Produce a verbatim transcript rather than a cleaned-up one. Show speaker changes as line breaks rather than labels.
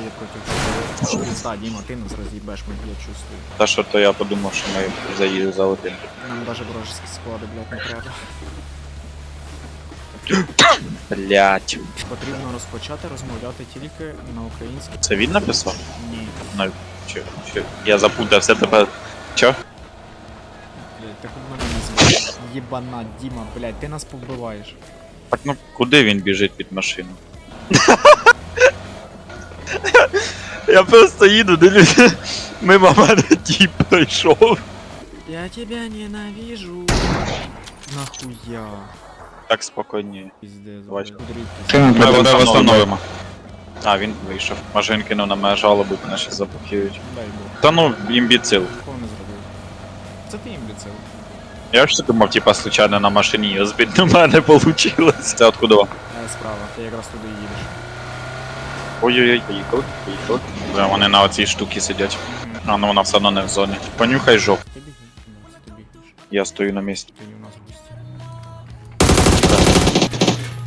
двоє проти чотирьох. Пізда, Діма, ти нас роз'їбеш, ми, я чувствую.
Та що то я подумав, що ми заїду залетим.
Нам даже вражеские склади, блядь, не треба.
Блять.
Потрібно розпочати розмовляти тільки на українській.
Це він написав?
Ні.
Ну, чи, чи, я запутався тепер. Чо?
Блядь, так у мене назвали. Єбана, Діма, блядь, ти нас повбиваєш.
Так ну куди він біжить від машини? Я просто їду, дивлюся. Мимо мене тіп пройшов.
Я тебя ненавижу. Нахуя?
Так спокійніше.
Пиздец,
Бачу.
блядь.
Ми його встановимо. А, він вийшов. Машин кинув на мене жалобу, мене ще заблокують.
Дай Бог.
Та ну, імбіцил.
Кого не зробив? Це ти імбіцил.
Я ж думав, типа, случайно на машині її збити, но в мене вийшло. Це откуда?
Е, справа, ти якраз туди їдеш.
Ой-ой-ой, поїхали, поїхали. Бля, вони на оцій штуці сидять. А ну вона все одно не в зоні. Понюхай жоп.
Ти бігаєш? Ну, це ти бігаєш.
Я стою на місці.
Ти не у нас в гості.